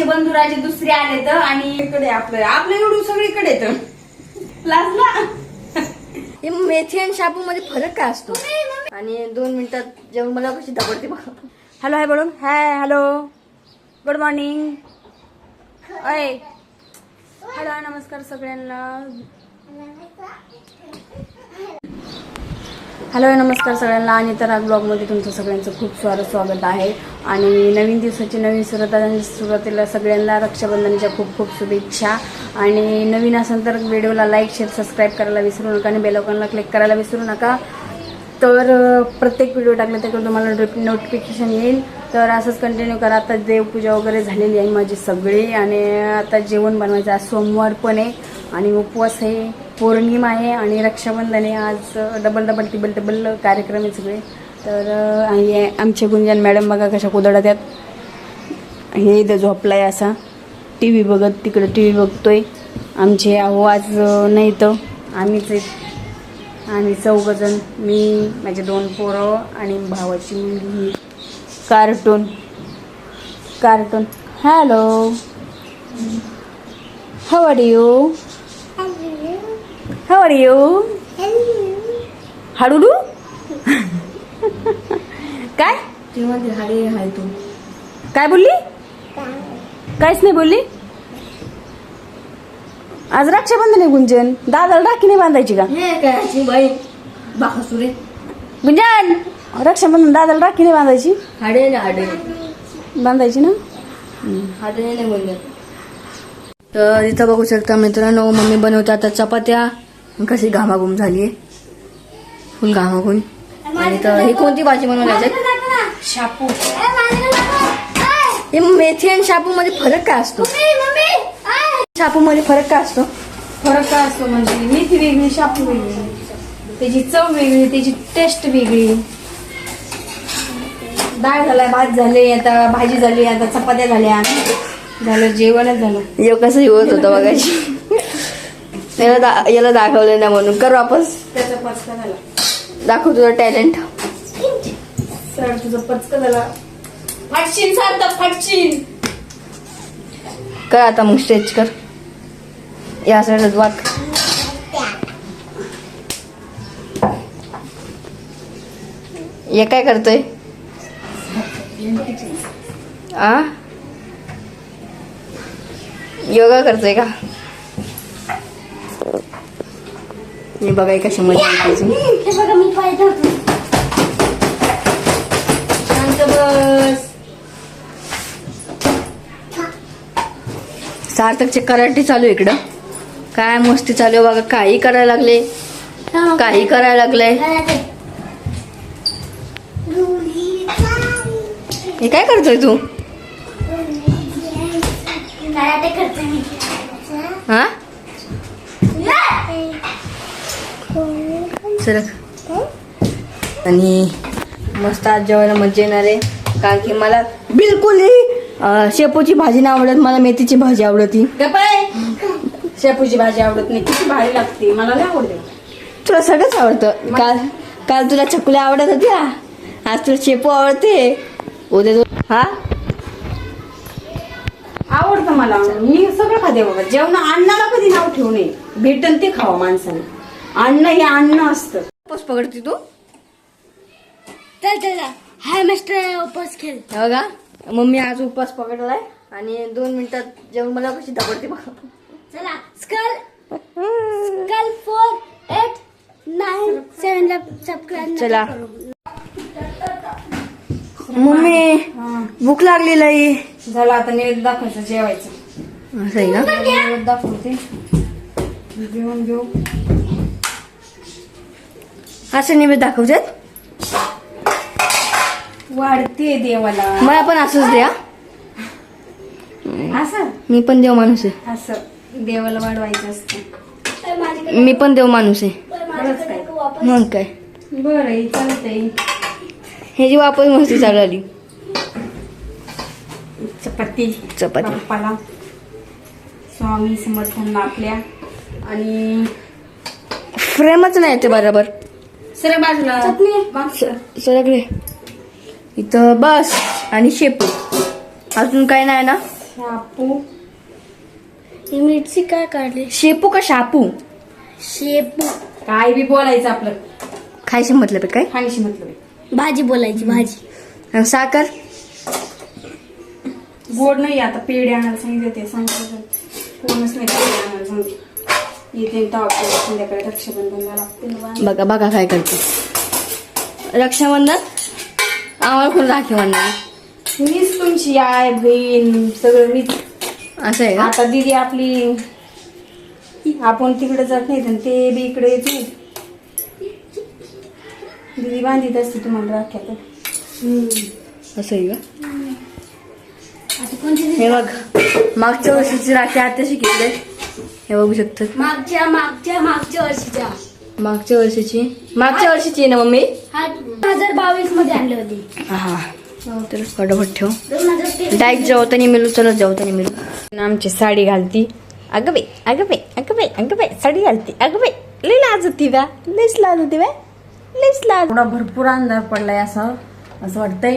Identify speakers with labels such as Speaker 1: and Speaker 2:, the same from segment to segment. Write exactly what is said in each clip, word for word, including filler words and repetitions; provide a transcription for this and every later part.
Speaker 1: आमचे बंधुराजे दुसरे आले तर आणि इकडे आपलं आपलं एवढं सगळीकडे येतं लाजला.
Speaker 2: मेथी आणि शाबू मध्ये फरक काय असतो? आणि दोन मिनिटात जेवण मला कशी दाबडते बघा. हॅलो हाय बोलून हाय हॅलो गुड मॉर्निंग. अय हॅलो नमस्कार सगळ्यांना. हॅलो नमस्कार सगळ्यांना. आणि तर आज ब्लॉगमध्ये तुमचं सगळ्यांचं खूप स्वागत स्वागत आहे. आणि नवीन दिवसाची नवीन सुरुवात सुरुवातीला सगळ्यांना रक्षाबंधनाच्या खूप खूप शुभेच्छा. आणि नवीन असेल तर व्हिडिओला लाईक शेअर सबस्क्राईब करायला विसरू नका आणि बेल आयकॉनला क्लिक करायला विसरू नका. तर प्रत्येक व्हिडिओ टाकले तर तुम्हाला नोटिफिकेशन येईल. तर असंच कंटिन्यू करा. आता देवपूजा वगैरे झालेली आहे माझी सगळी आणि आता जेवण बनवायचं. आज सोमवार पण आहे आणि उपवास आहे, पौर्णिमा आहे आणि रक्षाबंधन आहे. आज डबल डबल टिबल टिबल कार्यक्रम आहे सगळे. तर आणि आमचे गुंजन मॅडम बघा कशा कुदळत आहेत. हे इथं झोपलाय असा टी व्ही बघत, तिकडं टी व्ही बघतोय. आमचे अहो आज नाही तर आम्हीच आम्ही चौघजण, मी माझे दोन पोरं आणि भावाची मुलगी. Cartoon cartoon hello how are you how are you हाडूडू काय
Speaker 1: मध्ये हाडे हाय तू
Speaker 2: काय बोलली? काहीच नाही बोलली. आज रक्षाबंधन आहे गुंजन, दादाला राखी नाही बांधायची का?
Speaker 1: हे काय बाई बाखसुरे
Speaker 2: गुंजन रक्षाबंधन दादाला राखी नाही बांधायची?
Speaker 1: हाडे ना हाडे
Speaker 2: बांधायची ना.
Speaker 1: हाडे नाही बोलले.
Speaker 2: तर इथं बघू शकता मित्रांनो, मम्मी बनवते आता चपात्या. कशी घामाघूम झालीये, फुल घामाघूम. आणि तर ही कोणती भाजी बनवण्याची?
Speaker 1: शापू.
Speaker 2: हे मेथी आणि शापू मध्ये फरक काय असतो? शापू मध्ये फरक काय असतो?
Speaker 1: फरक काय असतो म्हणजे मेथी वेगळी, शापू वेगळी, त्याची चव वेगळी, त्याची टेस्ट वेगळी. डाळ झालाय, भात झाले, आता भाजी झाली, आता चपात्या झाल्या, झालं जेवणच झालं.
Speaker 2: यो कसं होत होतं बघायची. याला दा याला दाखवलं ना म्हणून कर वापस.
Speaker 1: त्याचा पचका झाला.
Speaker 2: दाखव तुझं टॅलेंट.
Speaker 1: सर तुझं पचका झाला. फाटशीन सारखं फाटशीन.
Speaker 2: कर आता मग स्ट्रेच कर. या साईडच वाक. हे काय करतोय? आ योगा करतोय का? हे बघा कशी मजा येते.
Speaker 1: बघा मी पाय धरतो. शांत बस.
Speaker 2: सार्थकचे कराटे चालू आहे इकडं. काय मस्ती चालू आहे बघा. काही करायला लागले, काही करायला लागलंय. हे काय करतोय तू? हा सरक. आणि मस्त आज जेवायला मजा येणार आहे. कारण की मला बिलकुल शेपूची भाजी नाही आवडत, मला मेथीची भाजी आवडती.
Speaker 1: शेपूची भाजी आवडत नाही, किती भारी लागते. मला नाही आवडते.
Speaker 2: तुला सगळंच आवडतं. काल काल तुला चकुल्या आवडत होत्या, आज तुला शेपू आवडते. उद्या तू हा
Speaker 1: आवडतं मला. मी सगळं खाते बाबा. जेवण अन्नाला कधी नाव ठेवू नये. भेटन ते खावा माणसाने. अन्न हे अन्न असतं.
Speaker 2: उपवास पकडते तू?
Speaker 1: हाय मिस्टर उपवास खेळ.
Speaker 2: बघा मम्मी आज उपवास पकडलाय आणि दोन मिनिटात जेवण मला कशी दाबडते बघा.
Speaker 1: चला skull skull four eight nine seven ला सबस्क्राईब
Speaker 2: चला मम्मी भूक लागलेली आहे.
Speaker 1: झालं आता नैवेद्य दाखवायचं, जेवायचं.
Speaker 2: असं आहे का?
Speaker 1: नैवेद्य दाखवते, जेवण घेऊ.
Speaker 2: असं नैवेद्य दाखवतात.
Speaker 1: वाढते देवाला.
Speaker 2: मला पण असंच द्या.
Speaker 1: असं
Speaker 2: मी पण देव माणूस आहे.
Speaker 1: असं देवाला वाढवायचं असतं.
Speaker 2: मी पण देव माणूस आहे.
Speaker 1: खरंच काय?
Speaker 2: मग काय
Speaker 1: बरं चालतंय.
Speaker 2: ह्याची वापस मस्ती चालू आली.
Speaker 1: चपाती
Speaker 2: चपाती
Speaker 1: बाप्पाला, स्वामी समर्थांना आपल्या. आणि
Speaker 2: फ्रेमच नाही ते बरोबर.
Speaker 1: सर बाजूला मागचं.
Speaker 2: सगळे इथं बस आणि शेपू. अजून काय नाही ना.
Speaker 1: शापू
Speaker 3: ही मिरची काय काढली?
Speaker 2: शेपू का शापू?
Speaker 3: शेपू.
Speaker 1: काय बी बोलायचं आपलं.
Speaker 2: खायची मतलब काय?
Speaker 1: खाण्याशी मतलब
Speaker 3: भाजी बोलायची, भाजी.
Speaker 2: आणि साखर
Speaker 1: गोड नाही. आता पेढे आणायला सांगितले ते सांगितलं कोणच नाही पेढे आणायला सांगितलं. येते तेव्हा संध्याकाळी रक्षाबंधनला लागते ना बांधायला.
Speaker 2: बघा बघा काय करते. रक्षाबंधन आम्हाला कोण राखी बांधणार?
Speaker 1: मीच तुमची आय बहीण सगळं मीच.
Speaker 2: असं आहे का?
Speaker 1: आता दीदी आपली आपण तिकडे जात नाही तर ते बी इकडे येते. दीदी बांधित असते तुम्हाला राख्या तर.
Speaker 2: असं आहे का?
Speaker 3: आता कोणती?
Speaker 2: हे बघ मागच्या वर्षीची राखी आता शिकले. हे बघू शकतो.
Speaker 3: मागच्या मागच्या मागच्या वर्षीच्या.
Speaker 2: मागच्या वर्षीची मागच्या वर्षीची आहे ना मम्मी?
Speaker 3: हा दोन हजार बावीस मध्ये आणली होती.
Speaker 2: हा तर फटाफट ठेव.
Speaker 3: दोन हजार तेवीस.
Speaker 2: डायरेक्ट जेवताना मिळू. चलत जेवताना मिळू. आमची साडी घालती. अगं बाई अगं बाई अगं बाई अगं बाई साडी घालती. अगं बाई लई लाज होती बा. लईच लाज होती बा. लईच लाज. एवढा भरपूर अंधार पडलाय असं असं वाटतंय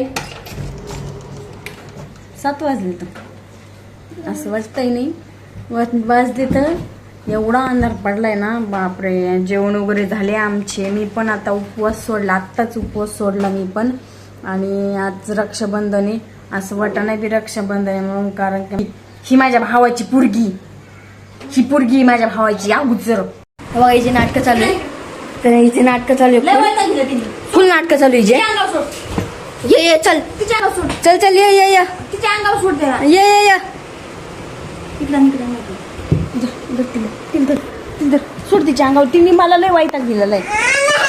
Speaker 2: सात वाजले तर असं वाटतंय नाही. वाजले तर एवढा अंधार पडलाय ना बापरे. जेवण वगैरे झाले आमचे. मी पण आता उपवास सोडला. आत्ताच उपवास सोडला मी पण. आणि आज रक्षाबंधन आहे. असं वाटत नाही बी रक्षाबंधन आहे म्हणून. कारण की ही माझ्या भावाची पोरगी. ही पोरगी माझ्या भावाची अगोदर. बघा हिची नाटकं चालू आहे. तर हिचे नाटकं चालू आहे. फुल नाटकं चालू आहे हिचे. ये ये चल चल चल ये ये ये
Speaker 1: तिच्या अंगावर सोड द्या.
Speaker 2: ये ये ये
Speaker 1: इकडं इकडं
Speaker 2: धर तिला. तिला धर. तिला धर. सोड तिच्या अंगावर. तिने मला लय वैताग दिलेला आहे.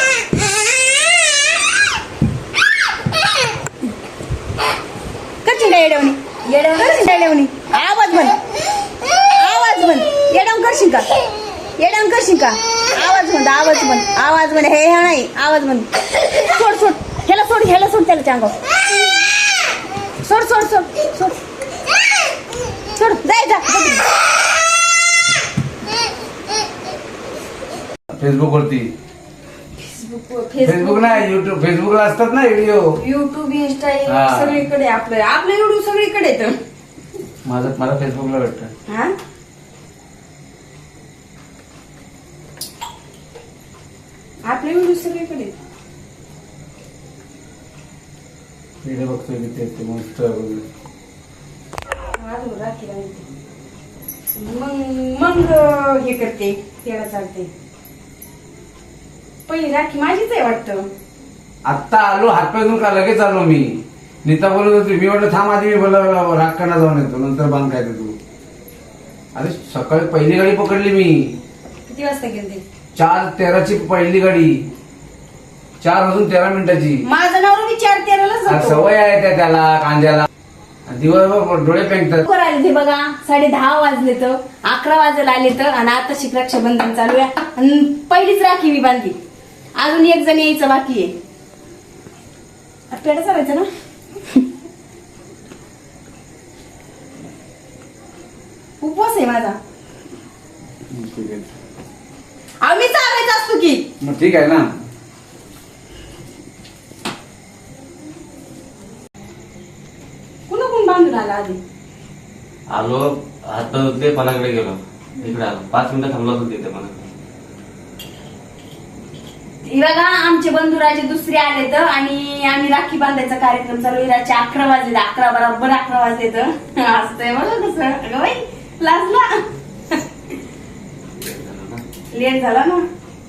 Speaker 2: करशील का येड्यावणी? येड्यावणी येड्यावणी आवाज बंद. आवाज बंद. येड्यावून करशील का? येड्यावून करशील का? आवाज बंद. आवाज बंद. आवाज बंद. हे हे नाही आवाज बंद. सोड सोड. ह्याला सोड. ह्याला सोड. त्याला अंगावर सोड सोड सोड सोड सोड. जायचा
Speaker 4: फेसबुक वरती.
Speaker 1: फेसबुक
Speaker 4: फेसबुक नाही युट्यूब. फेसबुकला असतात ना व्हिडिओ.
Speaker 1: युट्यूब इंस्टा
Speaker 4: हा.
Speaker 1: सगळीकडे आपलं आपलं एवढं सगळीकडे येतं.
Speaker 4: माझं मला फेसबुकला भेटतं.
Speaker 1: हा आपलं एवढं सगळीकडे येतं.
Speaker 4: व्हिडिओ बघतोय की ते ते मस्त वगैरे.
Speaker 1: आज राखी बांधते. मग मग हे करते त्याला चालते. पहिली राखी माझीच आहे वाटतं.
Speaker 4: आत्ता आलो हातपाय धुवून का लगेच आलो मी. नीता बोलत होती. मी म्हटलं थांब आधी मी बोला राखकांना जाऊन येतो नंतर बांध काय ते तू. अरे सकाळी पहिली गाडी पकडली मी.
Speaker 1: किती वाजता गेलते?
Speaker 4: चार तेराची पहिली गाडी. चार वाजून तेरा मिनिटाची.
Speaker 1: माझं नाव मी चार तेरालाच
Speaker 4: आ,
Speaker 1: जातो.
Speaker 4: सवय आहे त्या त्याला कांद्याला. दिवसभर डोळे पेंगतात.
Speaker 1: लवकर आले ते बघा. साडे दहा वाजले तर अकरा वाजायला आले तर. आणि आता शिक रक्षाबंधन चालू आहे. आणि पहिलीच राखी मी बांधली. अजून एक जण यायचं बाकी आहे. पेढा चालायचं ना. उपवास आहे माझा. आम्ही चालायचं असतो की.
Speaker 4: मग ठीक आहे ना.
Speaker 1: कुणा कोण बांधून आला आधी?
Speaker 5: आलो हात ते पणाकडे गेलो. इकडे आलो पाच मिनिटं थांबलो होतो तिथे पणाकडे.
Speaker 1: हे बघा आमचे बंधुराजे दुसरे आले तर. आणि आम्ही राखी बांधायचा कार्यक्रम चालू आहे. रात्री अकरा वाजले. अकरा बरोबर अकरा वाजले तर असतंय बघा कसं. अगं बाई लाजला. लेट झाला ना.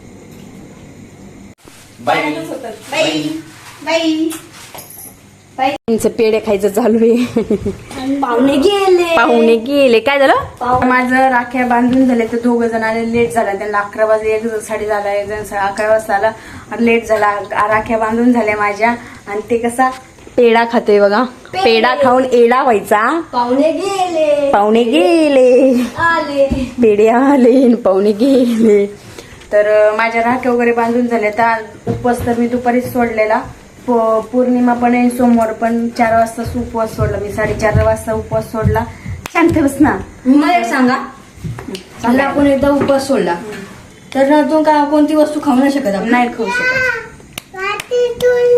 Speaker 5: बाई
Speaker 1: बाई बाई बाई पेढे खायचं चालू आहे.
Speaker 3: पाहुणे गेले.
Speaker 2: पाहुणे गेले. काय झालं? माझं राख्या बांधून झाले तर दोघ जण आले. लेट झाला त्यांना. अकरा वाजले. एक जण साडे झाला. एक जण अकरा वाजता आला. लेट झाला. राख्या बांधून झाल्या माझ्या. आणि ते कसा पेढा खातोय बघा. पेढा खाऊन एडा व्हायचा.
Speaker 3: पाहुणे गेले.
Speaker 2: पाहुणे गेले.
Speaker 3: आले.
Speaker 2: पेढे आले. पाहुणे गेले. तर माझ्या राख्या वगैरे बांधून झाल्या. तर उपवास तर मी दुपारीच सोडलेला. पौर्णिमा पण आहे. सोमवार पण चार वाजता उपवास सोडला मी. साडेचार वाजता उपवास सोडला. शांत बस ना.
Speaker 3: मला एक सांगा. समजा आपण एकदा उपवास सोडला तर तू का कोणती वस्तू खाऊ नाही शकत आपण?
Speaker 2: नाही खाऊ शकत.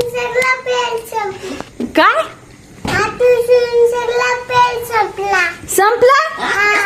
Speaker 2: काय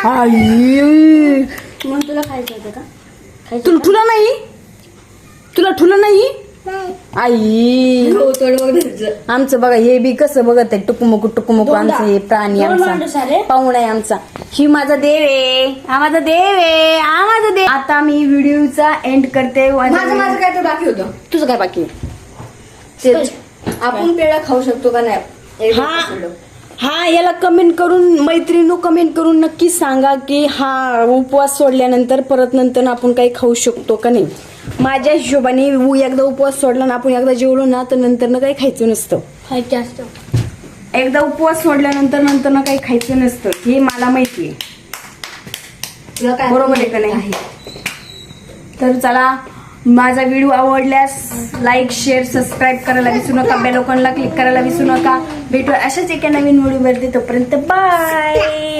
Speaker 2: आई
Speaker 3: मग तुला खायचं होतं का खायचं
Speaker 2: तुला ठुला नाही तुला ठुला नाही आई
Speaker 3: हो, थोडं बघ घरचं.
Speaker 2: आमचं बघा हे बी कसं बघत आहे टुकुमुकू टुकुमुकू
Speaker 3: दोनदा.
Speaker 2: आमचं हे प्राणी
Speaker 3: दोन माणूस
Speaker 2: आमचा
Speaker 3: आले.
Speaker 2: पाहुणा आहे आमचा ही माझा देव आहे हा माझा देव आहे हा माझा देव आता मी व्हिडिओचा एंड करते
Speaker 3: माझं माझं काय तर बाकी होतं
Speaker 2: तुझं काय बाकी आहे?
Speaker 3: तेच. आपण पेढा खाऊ शकतो का नाही एक
Speaker 2: हा
Speaker 3: उपवास सोडलं.
Speaker 2: हा याला कमेंट करून मैत्रिणी कमेंट करून नक्की सांगा की हा उपवास सोडल्यानंतर परत नंतर आपण काही खाऊ शकतो का नाही. माझ्या हिशोबाने उ- एकदा उपवास सोडला ना आपण एकदा जेवलो ना तर नंतर ना काही खायचं नसतं.
Speaker 3: खायचं असतं
Speaker 2: एकदा उपवास सोडल्यानंतर नंतर ना काही खायचं नसतं हे मला माहिती आहे.
Speaker 3: तुला काय
Speaker 2: बरोबर आहे का नाही. तर चला माझा व्हिडिओ आवडल्यास लाईक शेअर सबस्क्राईब करायला विसरू नका बेल आयकॉनला क्लिक करायला विसरू नका. भेटू अशाच एका नवीन व्हिडिओ मध्ये तोपर्यंत बाय.